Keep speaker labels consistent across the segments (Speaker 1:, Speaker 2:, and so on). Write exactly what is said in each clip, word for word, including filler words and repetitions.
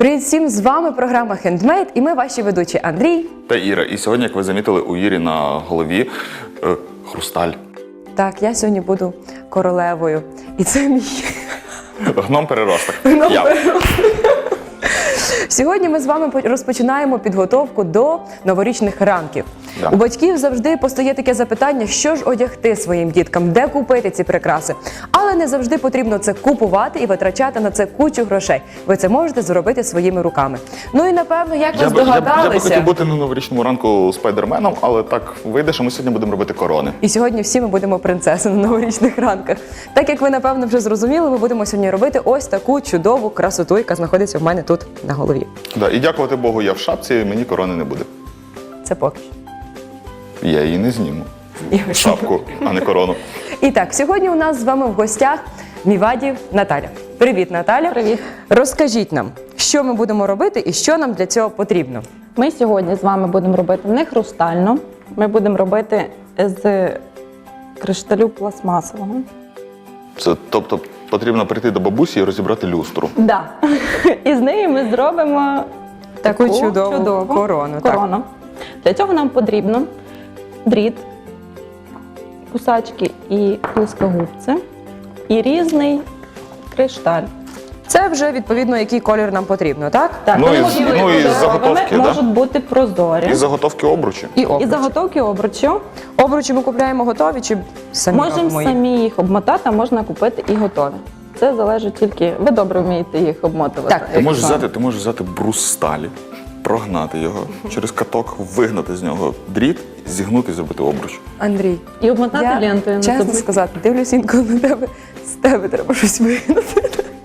Speaker 1: Привіт всім, з вами програма Handmade і ми ваші ведучі Андрій
Speaker 2: та Іра. І сьогодні, як ви замітили, у Ірі на голові е, хрусталь.
Speaker 1: Так, я сьогодні буду королевою. І це мій
Speaker 2: Гном-переросток.
Speaker 1: гном-переросток. Сьогодні ми з вами розпочинаємо підготовку до новорічних ранків.
Speaker 2: Да.
Speaker 1: У батьків завжди постає таке запитання, що ж одягти своїм діткам, де купити ці прикраси. Але не завжди потрібно це купувати і витрачати на це кучу грошей. Ви це можете зробити своїми руками. Ну і напевно, як ви
Speaker 2: Я би, я, б-
Speaker 1: здогадалися...
Speaker 2: я би хотів бути на новорічному ранку спайдерменом, але так вийде, що ми сьогодні будемо робити корони.
Speaker 1: І сьогодні всі ми будемо принцеси на новорічних ранках. Так як ви, напевно, вже зрозуміли, ми будемо сьогодні робити ось таку чудову красоту, яка знаходиться в мене тут на голові.
Speaker 2: Да, і дякувати Богу, я в шапці, мені корони не буде.
Speaker 1: Це поки що.
Speaker 2: Я її не зніму. Шапку, а не корону.
Speaker 1: І так, сьогодні у нас з вами в гостях Міваді Наталя. Привіт, Наталя.
Speaker 3: Привіт.
Speaker 1: Розкажіть нам, що ми будемо робити і що нам для цього потрібно.
Speaker 3: Ми сьогодні з вами будемо робити не хрустально, ми будемо робити з кришталю пластмасового.
Speaker 2: Це, тобто потрібно прийти до бабусі і розібрати люстру.
Speaker 3: Да. І з неї ми зробимо
Speaker 1: Таку
Speaker 3: таку
Speaker 1: чудову
Speaker 3: чудову
Speaker 1: корону, так.
Speaker 3: корону. Для цього нам потрібно дріт, кусачки і плоскогубці і різний кришталь.
Speaker 1: Це вже, відповідно, який колір нам потрібно, так?
Speaker 3: Так,
Speaker 2: Ну,
Speaker 3: вони
Speaker 2: і з-
Speaker 3: можуть
Speaker 2: ну,
Speaker 3: бути
Speaker 2: і з
Speaker 3: кольоровими,
Speaker 2: заготовки, да?
Speaker 3: можуть бути прозорі.
Speaker 2: І заготовки обручі.
Speaker 1: І
Speaker 3: І
Speaker 1: обруч.
Speaker 3: заготовки обручів.
Speaker 1: Обручі ми купляємо готові чи самі
Speaker 3: Можемо
Speaker 1: робимо їх?
Speaker 3: самі їх обмотати, а можна купити і готові. Це залежить тільки, ви добре вмієте їх обмотувати.
Speaker 1: Так,
Speaker 2: Ти можеш
Speaker 3: Якщо-
Speaker 2: взяти, ти можеш взяти брус сталі, прогнати його через каток, вигнати з нього дріт, зігнути і зробити обруч.
Speaker 1: Андрій,
Speaker 3: І обмотати
Speaker 1: я,
Speaker 3: лентою. не
Speaker 1: чесно
Speaker 3: забудь.
Speaker 1: сказати, дивлюсь інколи на тебе, з тебе треба щось вигнати.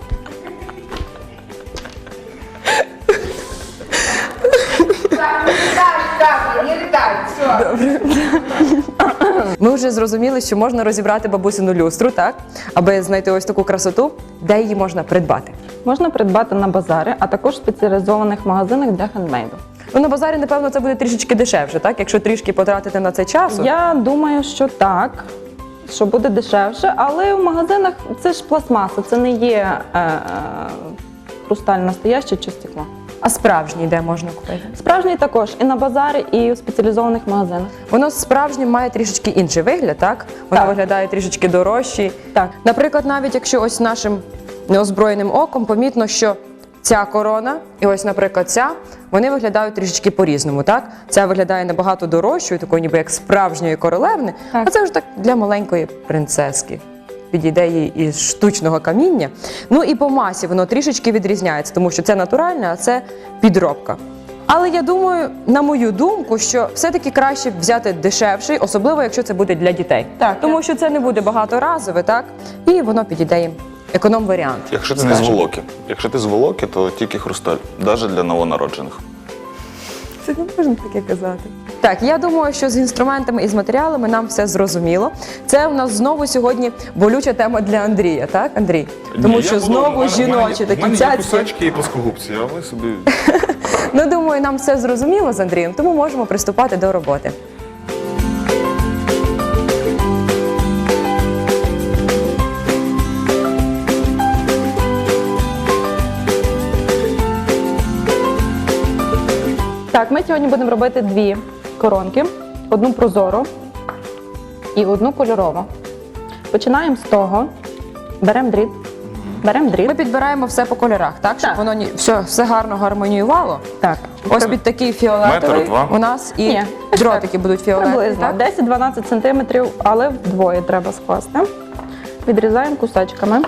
Speaker 1: Ми вже зрозуміли, що можна розібрати бабусину люстру, так? Аби знайти ось таку красоту, де її можна придбати.
Speaker 3: Можна придбати на базарі, а також в спеціалізованих магазинах для хендмейду.
Speaker 1: Ну, на базарі, напевно, це буде трішечки дешевше, так? Якщо трішки потратити на це часу.
Speaker 3: Я думаю, що так, що буде дешевше, але в магазинах це ж пластмаса, це не є е, е, хрусталь настоящий чи стекло.
Speaker 1: А справжній де можна купити?
Speaker 3: Справжній також і на базарі, і в спеціалізованих магазинах.
Speaker 1: Воно справжнє має трішечки інший вигляд, так? Воно
Speaker 3: Так.
Speaker 1: виглядає трішечки дорожче.
Speaker 3: Так.
Speaker 1: Наприклад, навіть якщо ось нашим неозброєним оком помітно, що ця корона і ось, наприклад, ця, вони виглядають трішечки по-різному, так? Ця виглядає набагато дорожчою, такою ніби як справжньої королевни,
Speaker 3: Так.
Speaker 1: а це вже так для маленької принцески. Підійде їй із штучного каміння. Ну і по масі воно трішечки відрізняється, тому що це натуральне, а це підробка. Але я думаю, на мою думку, що все-таки краще взяти дешевший, особливо якщо це буде для дітей.
Speaker 3: Так,
Speaker 1: Тому
Speaker 3: так.
Speaker 1: що це не буде багаторазове, так? І воно підійде їм. Економ-варіант.
Speaker 2: Якщо ти не з волоки. Якщо ти з волоки, то тільки хрусталь, навіть для новонароджених.
Speaker 1: Це не можна таке казати. Так, я думаю, що з інструментами і з матеріалами нам все зрозуміло. Це у нас знову сьогодні болюча тема для Андрія, так, Андрій? Тому що знову жіночі такі цяцькі.
Speaker 2: кусачки і плоскогубці, а ви собі...
Speaker 1: Ну, думаю, нам все зрозуміло з Андрієм, тому можемо приступати до роботи.
Speaker 3: Так, ми сьогодні будемо робити дві коронки: одну прозору і одну кольорову. Починаємо з того, беремо дріт, беремо дріт.
Speaker 1: Ми підбираємо все по кольорах, так? Щоб
Speaker 3: Так.
Speaker 1: воно ні- все, все гарно гармоніювало.
Speaker 3: Так,
Speaker 1: Ось під такий фіолетовий
Speaker 2: Метр, два?
Speaker 1: у нас і
Speaker 3: Ні,
Speaker 1: дротики будуть фіолетові,
Speaker 3: приблизно
Speaker 1: так?
Speaker 3: десять-дванадцять сантиметрів, але вдвоє треба скласти. Відрізаємо кусачками.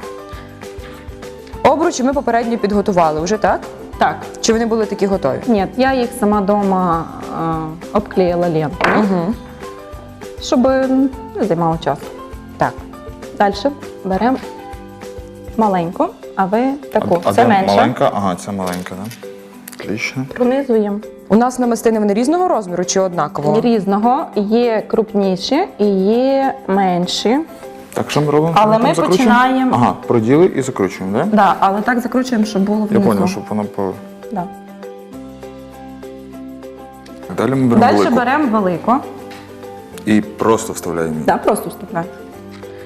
Speaker 1: Обручі ми попередньо підготували вже, так?
Speaker 3: Так,
Speaker 1: Чи вони були такі готові?
Speaker 3: ні, я їх сама вдома обклеїла лентою,
Speaker 1: Угу.
Speaker 3: щоб не займало часу.
Speaker 1: Так.
Speaker 3: Далі беремо маленьку, а ви таку,
Speaker 2: А
Speaker 3: це
Speaker 2: де
Speaker 3: менше.
Speaker 2: маленька? Ага, це маленька, так? Отлично.
Speaker 3: Пронизуємо.
Speaker 1: У нас намистини вони різного розміру чи однакового?
Speaker 3: Різного, є крупніші і є менші.
Speaker 2: Так, що ми робимо?
Speaker 3: Але ми
Speaker 2: Там закручуємо?
Speaker 3: починаємо-
Speaker 2: Ага, проділи і закручуємо, так? Да?
Speaker 3: Да, але так закручуємо, щоб було
Speaker 2: Я
Speaker 3: внизу.
Speaker 2: зрозумів, щоб воно по...
Speaker 3: Да.
Speaker 2: Далі ми беремо
Speaker 3: Далі
Speaker 2: велику.
Speaker 3: беремо велику.
Speaker 2: І просто вставляємо її.
Speaker 3: Да, просто вставляємо.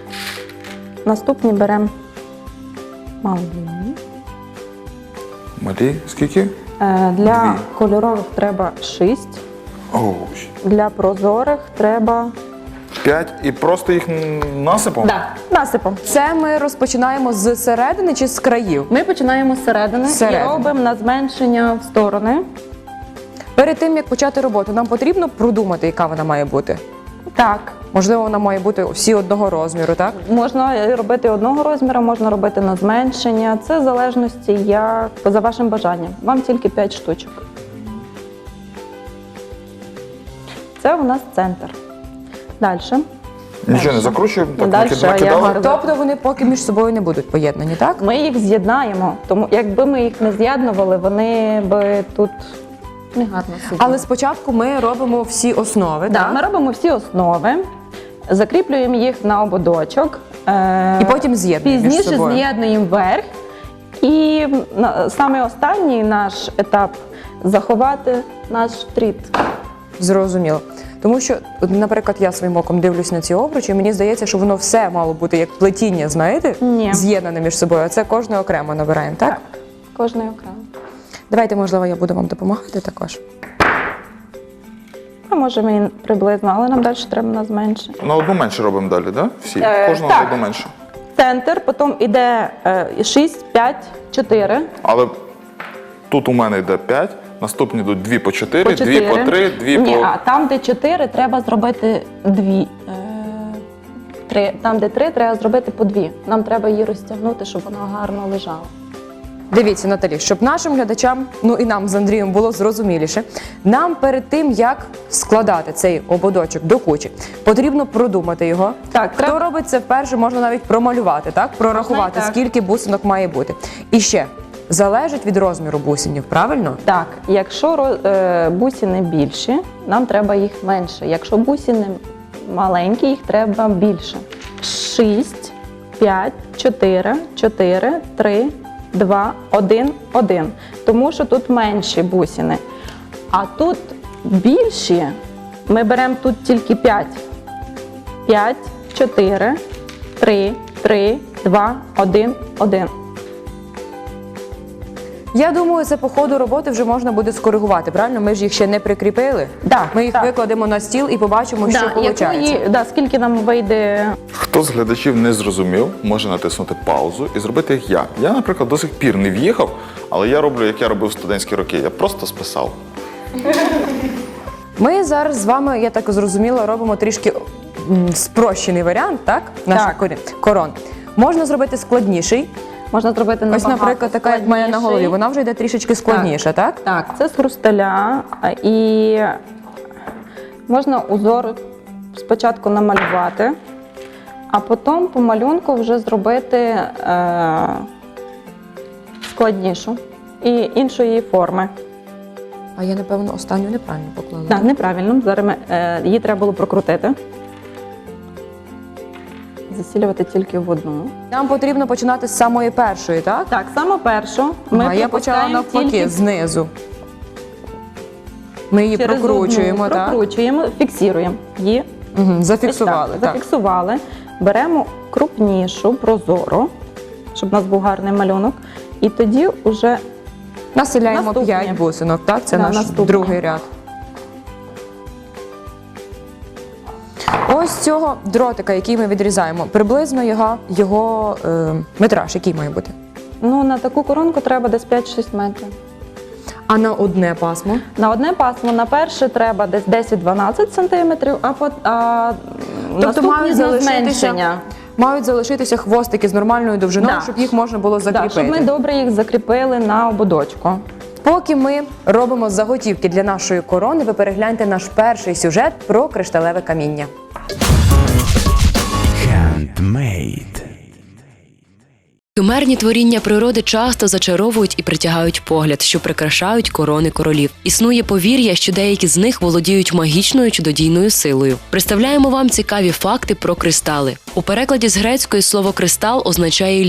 Speaker 3: Наступні беремо малу.
Speaker 2: Малю. Далі скільки?
Speaker 3: Е, Для
Speaker 2: Дві.
Speaker 3: кольорових треба шість,
Speaker 2: Оу,
Speaker 3: для прозорих треба
Speaker 2: п'ять і просто їх м, насипом?
Speaker 3: да, насипом.
Speaker 1: Це ми розпочинаємо з середини чи з країв?
Speaker 3: Ми починаємо з середини
Speaker 1: Зсередини.
Speaker 3: і робимо на зменшення в сторони.
Speaker 1: Перед тим, як почати роботу, нам потрібно продумати, яка вона має бути.
Speaker 3: Так,
Speaker 1: Можливо, вона має бути всі одного розміру, так?
Speaker 3: можна робити одного розміру, можна робити на зменшення. Це в залежності як за вашим бажанням. Вам тільки п'ять штучок. Це у нас центр. Далі.
Speaker 2: Нічого не закручуємо, так
Speaker 3: Дальше
Speaker 2: накид-
Speaker 3: я
Speaker 2: накидали.
Speaker 3: гарно-
Speaker 1: Тобто вони поки між собою не будуть поєднані, так?
Speaker 3: Ми їх з'єднаємо, тому якби ми їх не з'єднували, вони би тут не гарно сиділи.
Speaker 1: Але спочатку ми робимо всі основи,
Speaker 3: Да,
Speaker 1: так?
Speaker 3: ми робимо всі основи, закріплюємо їх на ободочок. е,
Speaker 1: І потім з'єднуємо між
Speaker 3: Пізніше
Speaker 1: собою.
Speaker 3: з'єднуємо верх. І на- саме останній наш етап заховати наш тріт.
Speaker 1: Зрозуміло. Тому що, от, наприклад, я своїм оком дивлюсь на ці обручі, і мені здається, що воно все мало бути як плетіння, знаєте,
Speaker 3: Ні.
Speaker 1: з'єднане між собою, а це кожне окремо набираємо, так?
Speaker 3: Кожний окремо.
Speaker 1: Давайте, можливо, я буду вам допомагати також.
Speaker 3: А може ми приблизно, але нам далі треба на зменше.
Speaker 2: На одну менше робимо далі, так? Всі?
Speaker 3: Е,
Speaker 2: Кожного на
Speaker 3: так.
Speaker 2: одну менше.
Speaker 3: Центр, потім йде шість, п'ять, чотири.
Speaker 2: Але тут у мене йде п'ять, наступні йдуть дві по чотири,
Speaker 3: По
Speaker 2: дві по три, дві
Speaker 3: Ні,
Speaker 2: по...
Speaker 3: а там, де чотири, треба зробити дві. Е, три. Там, де три, треба зробити по дві. Нам треба її розтягнути, щоб вона гарно лежала.
Speaker 1: Дивіться, Наталі, щоб нашим глядачам, ну і нам з Андрієм було зрозуміліше, нам перед тим, як складати цей ободочок до кучі, потрібно продумати його.
Speaker 3: Так,
Speaker 1: Хто
Speaker 3: треба-
Speaker 1: робить це вперше, можна навіть промалювати, так? Прорахувати,
Speaker 3: Можна і так.
Speaker 1: скільки бусинок має бути. І ще, залежить від розміру бусинів, правильно?
Speaker 3: Так, якщо ро- е, бусини більші, нам треба їх менше. Якщо бусини маленькі, їх треба більше. Шість, п'ять, чотири, чотири, три, два, один, один. Тому що тут менші бусини. А тут більші, ми беремо тут тільки п'ять. п'ять, чотири, три, три, два, один, один.
Speaker 1: Я думаю, це по ходу роботи вже можна буде скоригувати, правильно? Ми ж їх ще не прикріпили.
Speaker 3: Да,
Speaker 1: Ми їх
Speaker 3: так.
Speaker 1: викладемо на стіл і побачимо, що
Speaker 3: Да,
Speaker 1: виходить.
Speaker 3: якої, да, скільки нам вийде.
Speaker 2: Хто з глядачів не зрозумів, може натиснути паузу і зробити як я. Я, наприклад, до сих пір не в'їхав, але я роблю, як я робив в студентські роки. Я просто списав.
Speaker 1: Ми зараз з вами, я так зрозуміла, робимо трішки м, спрощений варіант, так? Наших
Speaker 3: Так.
Speaker 1: корі- корон. Можна зробити складніший.
Speaker 3: Можна зробити
Speaker 1: Ось,
Speaker 3: набагато
Speaker 1: наприклад, така, як в мене на голові.
Speaker 3: складніший.
Speaker 1: Вона вже йде трішечки складніша, так?
Speaker 3: Так, це з хрусталя. а, І можна узор спочатку намалювати, а потім по малюнку вже зробити е, складнішу і іншої форми.
Speaker 1: А я, напевно, останню неправильно поклала.
Speaker 3: Так, неправильно. Зараз ми, е, її треба було прокрутити. Засілювати тільки в одну.
Speaker 1: Нам потрібно починати з самої першої, так?
Speaker 3: Так, саме першу ми
Speaker 1: а я почала
Speaker 3: пропускаємо
Speaker 1: навпаки,
Speaker 3: тільки
Speaker 1: знизу. Ми її
Speaker 3: через
Speaker 1: прокручуємо,
Speaker 3: одну,
Speaker 1: так?
Speaker 3: прокручуємо, фіксуємо її.
Speaker 1: Угу,
Speaker 3: Ось
Speaker 1: зафіксували,
Speaker 3: так,
Speaker 1: так.
Speaker 3: зафіксували. Беремо крупнішу, прозору, щоб у нас був гарний малюнок. І тоді вже
Speaker 1: Населяємо
Speaker 3: Наступне.
Speaker 1: п'ять бусинок, так? Це
Speaker 3: Да,
Speaker 1: наш
Speaker 3: наступне.
Speaker 1: другий ряд. Ось цього дротика, який ми відрізаємо, приблизно його, його е, метраж, який має бути.
Speaker 3: ну, на таку коронку треба десь п'ять-шість метрів.
Speaker 1: А на одне пасмо?
Speaker 3: На одне пасмо на перше треба десь десять-дванадцять сантиметрів, а, по, а
Speaker 1: Тобто
Speaker 3: наступні
Speaker 1: мають
Speaker 3: на
Speaker 1: залишитися,
Speaker 3: зменшення.
Speaker 1: мають залишитися хвостики з нормальною довжиною,
Speaker 3: Да.
Speaker 1: щоб їх можна було
Speaker 3: Так,
Speaker 1: закріпити.
Speaker 3: щоб ми добре їх закріпили на ободочку.
Speaker 1: Поки ми робимо заготівки для нашої корони, ви перегляньте наш перший сюжет про кришталеве каміння.
Speaker 4: Handmade.
Speaker 5: Химерні творіння природи часто зачаровують і притягають погляд, що прикрашають корони королів. Існує повір'я, що деякі з них володіють магічною чудодійною силою. Представляємо вам цікаві факти про кристали. У перекладі з грецької слово «кристал» означає «лід».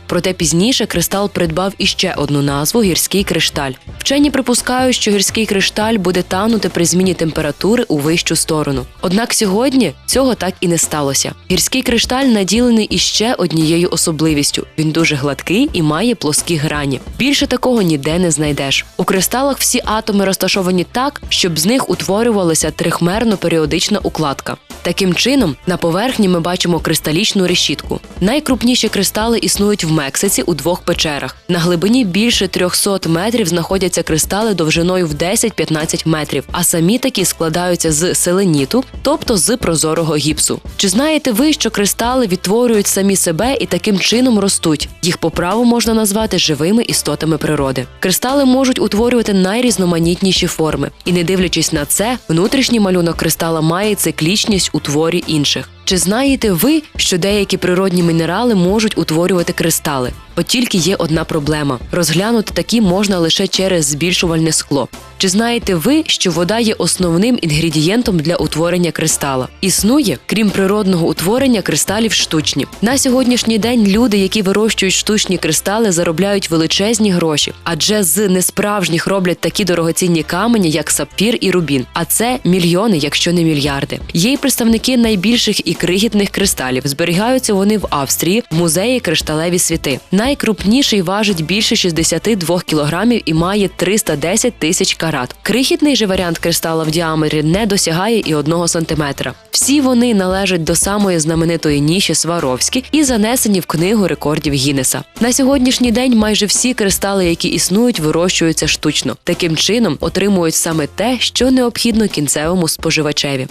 Speaker 5: Проте пізніше кристал придбав іще одну назву – гірський кришталь. Вчені припускають, що гірський кришталь буде танути при зміні температури у вищу сторону. Однак сьогодні цього так і не сталося. Гірський кришталь наділений іще однією особливістю – він дуже гладкий і має плоскі грані. Більше такого ніде не знайдеш. У кристалах всі атоми розташовані так, щоб з них утворювалася трихмерно-періодична укладка. Таким чином, на поверхні ми бачимо кристалічну решітку. Найкрупніші кристали існують в Мексиці у двох печерах. На глибині більше трьохсот метрів знаходяться кристали довжиною в десять-п'ятнадцять метрів, а самі такі складаються з селеніту, тобто з прозорого гіпсу. Чи знаєте ви, що кристали відтворюють самі себе і таким чином ростуть? Їх по праву можна назвати живими істотами природи. Кристали можуть утворювати найрізноманітніші форми. І не дивлячись на це, внутрішній малюнок кристала має циклічність у творі інших. Чи знаєте ви, що деякі природні мінерали можуть утворювати кристали? От тільки є одна проблема – розглянути такі можна лише через збільшувальне скло. Чи знаєте ви, що вода є основним інгредієнтом для утворення кристала? Існує, крім природного утворення, кристалів штучні. На сьогоднішній день люди, які вирощують штучні кристали, заробляють величезні гроші, адже з несправжніх роблять такі дорогоцінні камені, як сапфір і рубін. А це мільйони, якщо не мільярди. Є й представники найбільших і крихітних кристалів. Зберігаються вони в Австрії, в музеї «Кришталеві світи». Найкрупніший важить більше шістдесят два кілограмів і має триста десять тисяч карат. Крихітний же варіант кристала в діаметрі не досягає і одного сантиметра. Всі вони належать до самої знаменитої ніші Сваровські і занесені в книгу рекордів Гіннеса. На сьогоднішній день майже всі кристали, які існують, вирощуються штучно. Таким чином отримують саме те, що необхідно кінцевому споживачеві.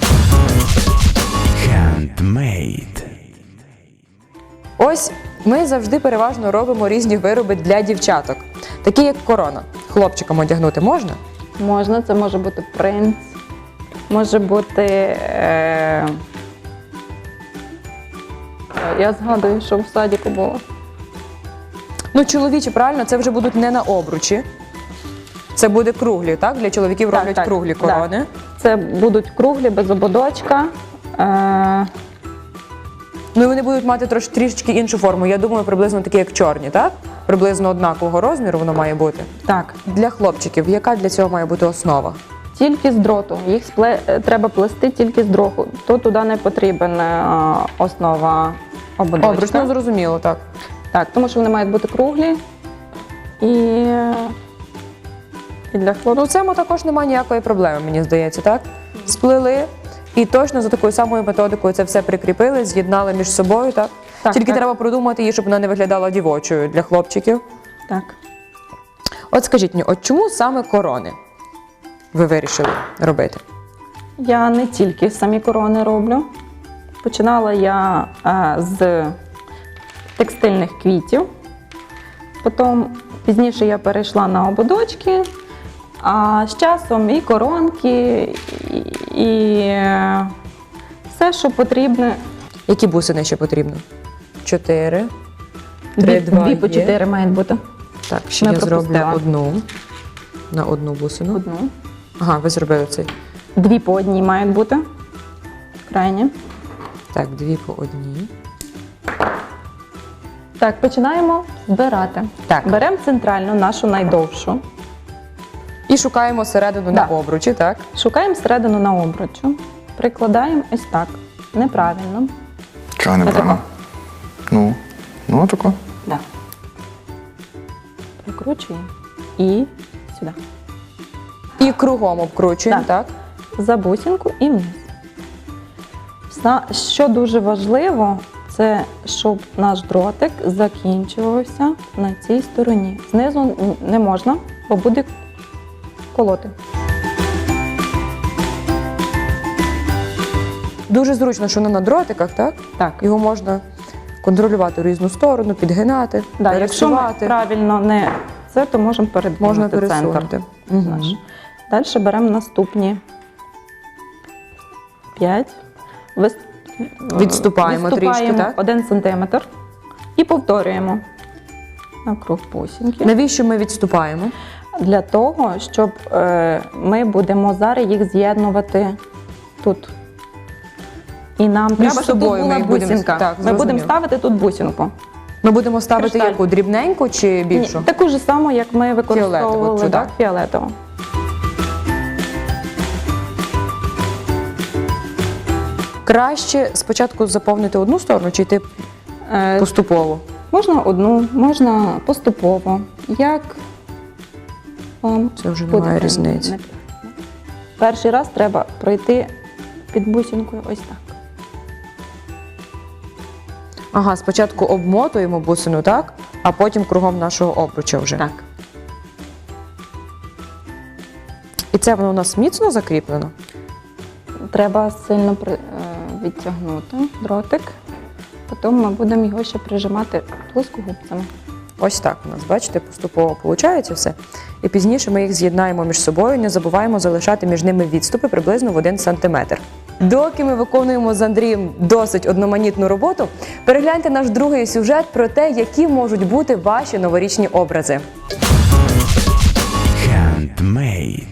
Speaker 4: Handmade.
Speaker 1: Ось ми завжди переважно робимо різні вироби для дівчаток, такі як корона. Хлопчикам одягнути можна?
Speaker 3: Можна, це може бути принц, може бути. Е... Я згадую, що в садіку було.
Speaker 1: Ну, чоловічі, правильно, це вже будуть не на обручі. Це буде круглі, так? Для чоловіків
Speaker 3: Так,
Speaker 1: роблять
Speaker 3: так,
Speaker 1: круглі
Speaker 3: так.
Speaker 1: корони.
Speaker 3: Це будуть круглі, без ободочка. Е...
Speaker 1: Ну і вони будуть мати трош, трішечки іншу форму. Я думаю, приблизно такі, як чорні, так? Приблизно однакового розміру воно має бути.
Speaker 3: Так,
Speaker 1: Для хлопчиків, яка для цього має бути основа?
Speaker 3: тільки з дроту. Їх спле... треба плести тільки з дроту. То туди не потрібен е, основа ободочка.
Speaker 1: Обруч, ну зрозуміло, так.
Speaker 3: Так, тому що вони мають бути круглі. І, і для хлопців.
Speaker 1: Ну, в цьому також немає ніякої проблеми, мені здається, так? Сплели і точно за такою самою методикою це все прикріпили, з'єднали між собою, так?
Speaker 3: Так,
Speaker 1: Тільки
Speaker 3: так.
Speaker 1: треба продумати її, щоб вона не виглядала дівочою для хлопчиків.
Speaker 3: Так.
Speaker 1: От скажіть мені, от чому саме корони ви вирішили робити?
Speaker 3: Я не тільки самі корони роблю. Починала я е, з текстильних квітів. Потім пізніше я перейшла на ободочки, а з часом і коронки, і, і е, все, що потрібне.
Speaker 1: Які бусини ще потрібно? Чотири.
Speaker 3: Дві,
Speaker 1: Три, два
Speaker 3: дві по
Speaker 1: є.
Speaker 3: чотири мають бути.
Speaker 1: Так, ще
Speaker 3: Ми
Speaker 1: я зроблю
Speaker 3: пропустила.
Speaker 1: одну на одну бусину.
Speaker 3: Одну.
Speaker 1: Ага, ви зробили цей.
Speaker 3: Дві по одній мають бути. Крайні.
Speaker 1: Так, дві по одній.
Speaker 3: Так, починаємо збирати.
Speaker 1: Так.
Speaker 3: Беремо центральну, нашу найдовшу.
Speaker 1: І шукаємо середину на
Speaker 3: Да.
Speaker 1: обручі, так?
Speaker 3: Шукаємо середину на обручу. Прикладаємо ось так. Неправильно.
Speaker 2: Чого не правильно? Ну, ну тако.
Speaker 3: Да. Прикручуємо. І сюди.
Speaker 1: І кругом обкручуємо,
Speaker 3: Так.
Speaker 1: так?
Speaker 3: За бусинку і вниз. Вса- Що дуже важливо, це щоб наш дротик закінчувався на цій стороні. Знизу не можна, бо буде колоти.
Speaker 1: Дуже зручно, що воно на дротиках, так?
Speaker 3: Так.
Speaker 1: Його можна контролювати в різну сторону, підгинати,
Speaker 3: Да, якщо ми
Speaker 1: пересувати.
Speaker 3: правильно не це, то можемо передвинути
Speaker 1: Можна
Speaker 3: центр.
Speaker 1: пересунути. Угу.
Speaker 3: Наш. Далі беремо наступні п'ять. Вис...
Speaker 1: Відступаємо трішки,
Speaker 3: Відступаємо
Speaker 1: так?
Speaker 3: один сантиметр і повторюємо навкруг бусинки.
Speaker 1: Навіщо ми відступаємо?
Speaker 3: Для того, щоб е, ми будемо зараз їх з'єднувати тут. І нам треба, щоб тут
Speaker 1: собою ми
Speaker 3: була
Speaker 1: їх будемо-
Speaker 3: бусинка.
Speaker 1: так,
Speaker 3: ми
Speaker 1: зрозуміло.
Speaker 3: будемо ставити тут бусинку.
Speaker 1: Ми будемо ставити
Speaker 3: Кришталь.
Speaker 1: яку? Дрібненьку чи більшу?
Speaker 3: Ні, таку ж саму, як ми використовували.
Speaker 1: Фіолетову цю,
Speaker 3: так,
Speaker 1: так?
Speaker 3: фіолетову.
Speaker 1: Краще спочатку заповнити одну сторону чи йти
Speaker 3: Е,
Speaker 1: поступово?
Speaker 3: Можна одну, можна поступово. Як вам
Speaker 1: Це вже
Speaker 3: буде
Speaker 1: немає
Speaker 3: прям
Speaker 1: різниці.
Speaker 3: не- Перший раз треба пройти під бусинкою ось так.
Speaker 1: Ага, спочатку обмотуємо бусину, так? А потім кругом нашого обруча вже.
Speaker 3: Так.
Speaker 1: І це воно у нас міцно закріплено?
Speaker 3: Треба сильно при- е, відтягнути дротик. Потім ми будемо його ще прижимати плоскогубцями.
Speaker 1: Ось так у нас, бачите, поступово виходить все. І пізніше ми їх з'єднаємо між собою, не забуваємо залишати між ними відступи приблизно в один сантиметр. Доки ми виконуємо з Андрієм досить одноманітну роботу, перегляньте наш другий сюжет про те, які можуть бути ваші новорічні образи.
Speaker 4: Handmade.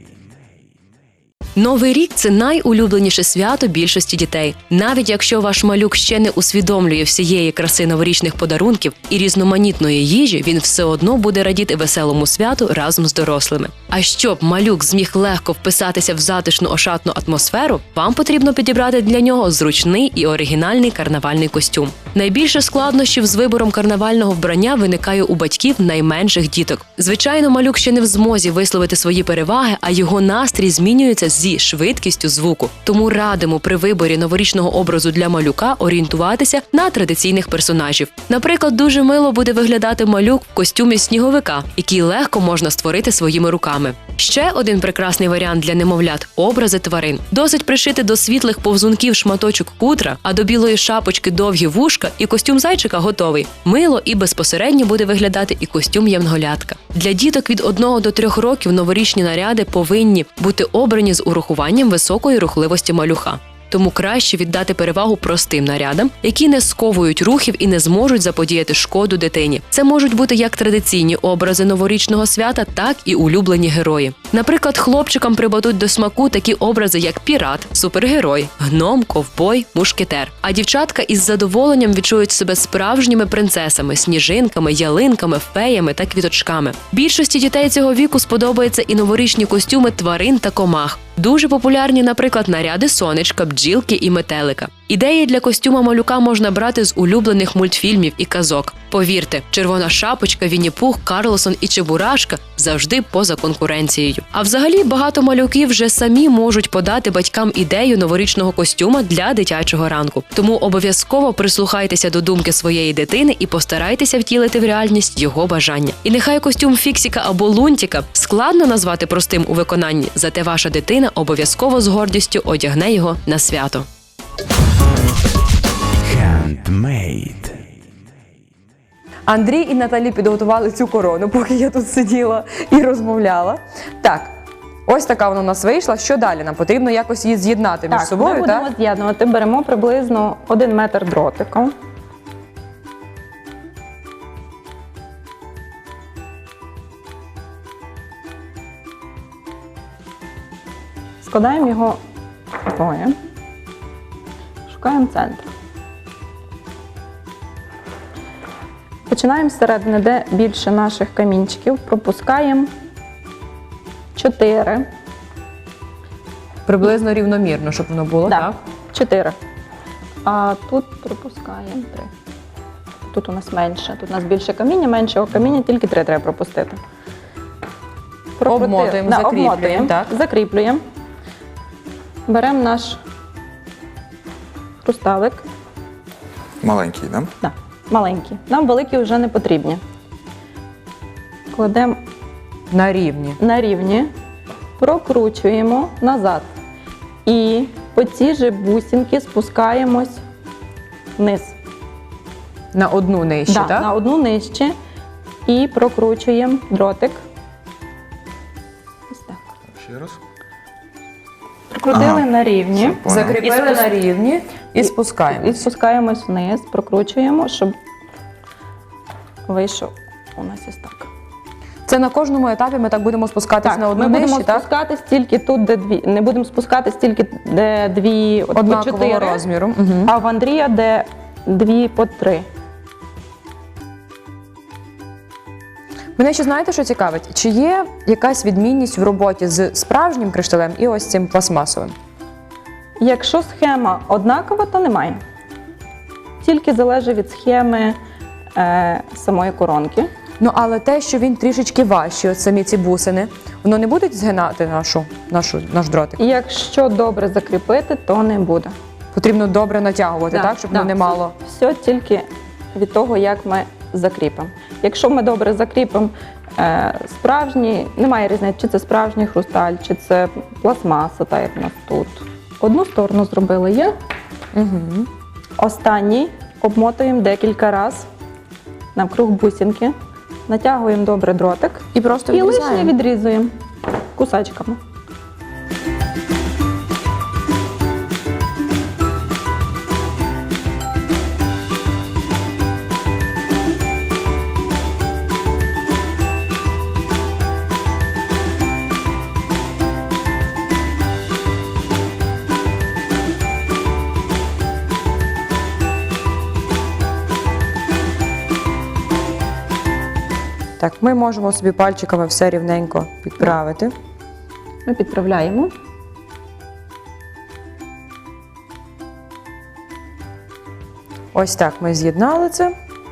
Speaker 5: Новий рік це найулюбленіше свято більшості дітей. Навіть якщо ваш малюк ще не усвідомлює всієї краси новорічних подарунків і різноманітної їжі, він все одно буде радіти веселому святу разом з дорослими. А щоб малюк зміг легко вписатися в затишну ошатну атмосферу, вам потрібно підібрати для нього зручний і оригінальний карнавальний костюм. Найбільше складнощів з вибором карнавального вбрання виникає у батьків найменших діток. Звичайно, малюк ще не в змозі висловити свої переваги, а його настрій змінюється зі швидкістю звуку. Тому радимо при виборі новорічного образу для малюка орієнтуватися на традиційних персонажів. Наприклад, дуже мило буде виглядати малюк в костюмі сніговика, який легко можна створити своїми руками. Ще один прекрасний варіант для немовлят – образи тварин. Досить пришити до світлих повзунків шматочок хутра, а до білої шапочки довгі вушка, і костюм зайчика готовий. Мило і безпосередньо буде виглядати і костюм янголятка. Для діток від одного до трьох років новорічні наряди повинні бути обрані з урахуванням високої рухливості малюка. Тому краще віддати перевагу простим нарядам, які не сковують рухів і не зможуть заподіяти шкоду дитині. Це можуть бути як традиційні образи новорічного свята, так і улюблені герої. Наприклад, хлопчикам припадуть до смаку такі образи, як пірат, супергерой, гном, ковбой, мушкетер. А дівчатка із задоволенням відчують себе справжніми принцесами, сніжинками, ялинками, феями та квіточками. Більшості дітей цього віку сподобаються і новорічні костюми тварин та комах. Дуже популярні, наприклад, наряди сонечка, бджілки і метелика. Ідеї для костюма малюка можна брати з улюблених мультфільмів і казок. Повірте, Червона шапочка, Вінні-Пух, Карлсон і Чебурашка завжди поза конкуренцією. А взагалі багато малюків вже самі можуть подати батькам ідею новорічного костюма для дитячого ранку. Тому обов'язково прислухайтеся до думки своєї дитини і постарайтеся втілити в реальність його бажання. І нехай костюм Фіксіка або Лунтіка складно назвати простим у виконанні, зате ваша дитина обов'язково з гордістю одягне його на свято.
Speaker 4: Handmade.
Speaker 1: Андрій і Наталі підготували цю корону, поки я тут сиділа і розмовляла. Так, ось така вона у нас вийшла. Що далі? Нам потрібно якось її з'єднати між
Speaker 3: Так,
Speaker 1: собою,
Speaker 3: ми будемо
Speaker 1: так?
Speaker 3: з'єднувати. Беремо приблизно один метр дротика. Складаємо його двоє. Шукаємо центр. Починаємо зсередини, де більше наших камінчиків, пропускаємо чотири.
Speaker 1: Приблизно рівномірно, щоб воно було,
Speaker 3: Да,
Speaker 1: так?
Speaker 3: чотири. А тут пропускаємо три. Тут у нас менше. Тут у нас більше каміння, меншого каміння, тільки три треба пропустити. Прокрути-
Speaker 1: Обмотуємо,
Speaker 3: да,
Speaker 1: закріплюємо,
Speaker 3: обмотуємо,
Speaker 1: так.
Speaker 3: закріплюємо. Беремо наш хрусталик.
Speaker 2: Маленький, да?
Speaker 3: Да, маленький. Нам великі вже не потрібні. Кладемо
Speaker 1: На рівні.
Speaker 3: на рівні, прокручуємо назад. І по цій же бусинки спускаємось вниз.
Speaker 1: На одну нижче,
Speaker 3: Да,
Speaker 1: так?
Speaker 3: на одну нижче. І прокручуємо дротик. Ось так.
Speaker 2: Ще раз.
Speaker 3: Прокрутили
Speaker 2: Ага.
Speaker 3: на рівні.
Speaker 2: Понял.
Speaker 1: Закріпили
Speaker 3: І спуск-
Speaker 1: на рівні і спускаємо.
Speaker 3: І спускаємось вниз, прокручуємо, щоб вийшов у нас ось так.
Speaker 1: Це на кожному етапі ми так будемо спускатись на одну
Speaker 3: ми
Speaker 1: нижче,
Speaker 3: будемо
Speaker 1: так?
Speaker 3: спускатись тільки тут, де дві. Не будемо спускатись тільки, де дві от, по
Speaker 1: Однакового
Speaker 3: чотири,
Speaker 1: розміру. Угу.
Speaker 3: а в Андрія де дві по три.
Speaker 1: Мене ще знаєте, що цікавить? Чи є якась відмінність в роботі з справжнім кришталем і ось цим пластмасовим?
Speaker 3: Якщо схема однакова, то немає. Тільки залежить від схеми е, самої коронки.
Speaker 1: Ну, але те, що він трішечки важчий, от самі ці бусини, воно не буде згинати нашу, нашу, наш дротик?
Speaker 3: І якщо добре закріпити, то не буде.
Speaker 1: Потрібно добре натягувати, так, щоб воно не мало.
Speaker 3: Все тільки від того, як ми закріпимо. Якщо ми добре закріпимо е, справжній, немає різниці, чи це справжній хрусталь, чи це пластмаса, так як у нас тут. Одну сторону зробили є.
Speaker 1: Угу.
Speaker 3: Останній обмотуємо декілька разів навкруг бусинки, натягуємо добре дротик
Speaker 1: І просто
Speaker 3: і лишнє
Speaker 1: відрізаємо.
Speaker 3: відрізуємо кусачками.
Speaker 1: Так, ми можемо собі пальчиками все рівненько підправити.
Speaker 3: Ми підправляємо.
Speaker 1: Ось так ми з'єднали це.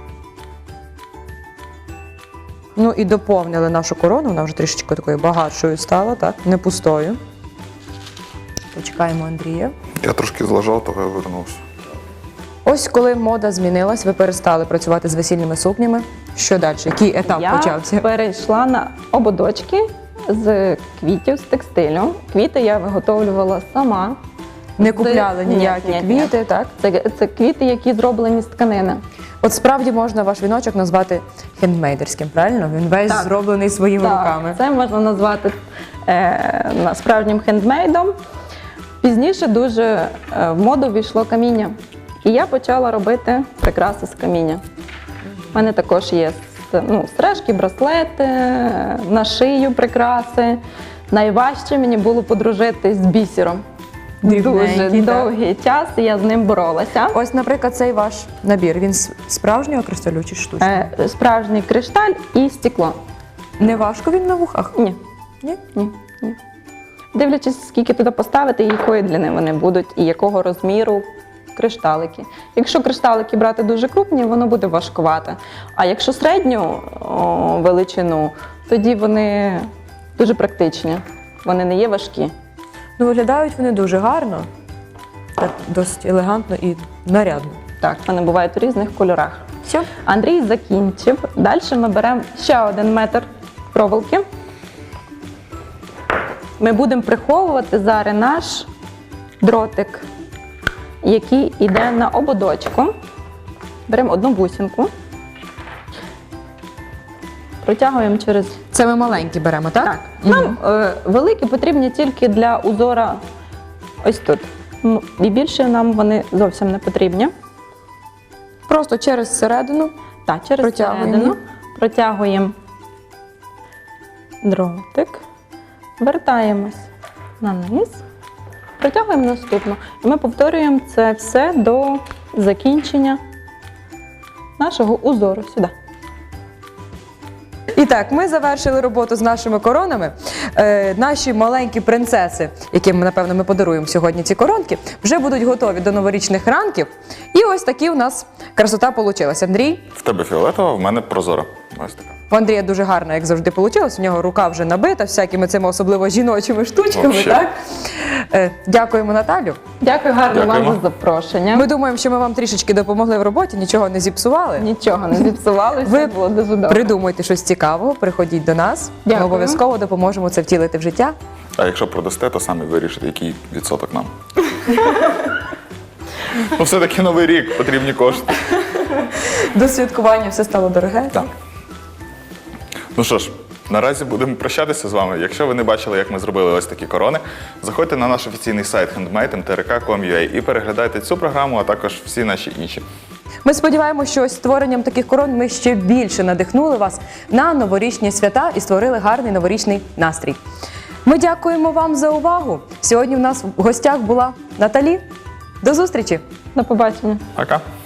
Speaker 1: Ну і доповнили нашу корону, вона вже трішечки такою багатшою стала, так, не пустою. Почекаємо Андрія.
Speaker 2: Я трошки злажав, то вивернувся.
Speaker 1: Ось коли мода змінилась, ви перестали працювати з весільними сукнями. Що далі? Який етап
Speaker 3: Я
Speaker 1: почався?
Speaker 3: перейшла на ободочки з квітів, з текстилю. Квіти я виготовлювала сама.
Speaker 1: Не
Speaker 3: З-
Speaker 1: купляли
Speaker 3: Ні,
Speaker 1: ніякі
Speaker 3: ні, ні.
Speaker 1: квіти, так?
Speaker 3: Це, це квіти, які зроблені з тканини.
Speaker 1: От справді можна ваш віночок назвати хендмейдерським, правильно? Він весь
Speaker 3: Так.
Speaker 1: зроблений своїми
Speaker 3: Так,
Speaker 1: руками.
Speaker 3: це можна назвати е, на- справжнім хендмейдом. Пізніше дуже е, в моду війшло каміння. І я почала робити прикраси з каміння. У мене також є с- ну, сережки, браслети, е, на шию прикраси. Найважче мені було подружитись з бісером.
Speaker 1: Дрібненький,
Speaker 3: Дуже
Speaker 1: так.
Speaker 3: довгий час я з ним боролася.
Speaker 1: Ось, наприклад, цей ваш набір. Він з справжнього кришталю чи штучного?
Speaker 3: Е, Справжній кришталь і стекло.
Speaker 1: Не важко він на вухах?
Speaker 3: Ні.
Speaker 1: Ні?
Speaker 3: Ні, ні. Дивлячись, скільки туди поставити, і якої длини вони будуть, і якого розміру кришталики. Якщо кришталики брати дуже крупні, воно буде важкувати. А якщо середню о, величину, тоді вони дуже практичні. Вони не є важкі.
Speaker 1: Ну, виглядають вони дуже гарно, так досить елегантно і нарядно.
Speaker 3: Так, вони бувають у різних кольорах.
Speaker 1: Все?
Speaker 3: Андрій закінчив. Далі ми беремо ще один метр проволоки. Ми будемо приховувати зараз наш дротик, який йде на ободочку. Беремо одну бусинку, протягуємо через.
Speaker 1: Це ми маленькі беремо, так?
Speaker 3: Так, нам е, великі потрібні тільки для узора ось тут. Ну, і більше нам вони зовсім не потрібні.
Speaker 1: Просто через середину.
Speaker 3: Так, через
Speaker 1: Протягуємо.
Speaker 3: середину протягуємо дротик, вертаємось на низ, протягуємо наступну. І ми повторюємо це все до закінчення нашого узору сюди.
Speaker 1: І так, ми завершили роботу з нашими коронами. Е, наші маленькі принцеси, яким, напевно, ми подаруємо сьогодні ці коронки, вже будуть готові до новорічних ранків. І ось такі у нас красота вийшла. Андрій,
Speaker 2: В тебе фіолетова, в мене прозора. Ось така.
Speaker 1: в Андрія дуже гарно, як завжди, вийшло. У нього рука вже набита всякими цими особливо жіночими штучками.
Speaker 2: Вообще.
Speaker 1: Так? Е, дякуємо, Наталю.
Speaker 3: Дякую гарно
Speaker 2: Дякуємо.
Speaker 3: вам за запрошення.
Speaker 1: Ми думаємо, що ми вам трішечки допомогли в роботі, нічого не зіпсували.
Speaker 3: Нічого не зіпсували,
Speaker 1: Ви
Speaker 3: все було дуже добре.
Speaker 1: Придумуйте щось цікавого, приходіть до нас. Ми
Speaker 3: Дякую.
Speaker 1: обов'язково допоможемо це втілити в життя.
Speaker 2: А якщо продасте, то самі вирішите, який відсоток нам. Ну, все-таки новий рік, потрібні кошти.
Speaker 1: До святкування все стало дороге.
Speaker 2: Так. Ну що ж, наразі будемо прощатися з вами. Якщо ви не бачили, як ми зробили ось такі корони, заходьте на наш офіційний сайт handmade ем те ер ка крапка ком крапка ю а і переглядайте цю програму, а також всі наші інші.
Speaker 1: Ми сподіваємося, що ось створенням таких корон ми ще більше надихнули вас на новорічні свята і створили гарний новорічний настрій. Ми дякуємо вам за увагу. Сьогодні в нас в гостях була Наталі. До зустрічі!
Speaker 3: До побачення.
Speaker 2: Пока!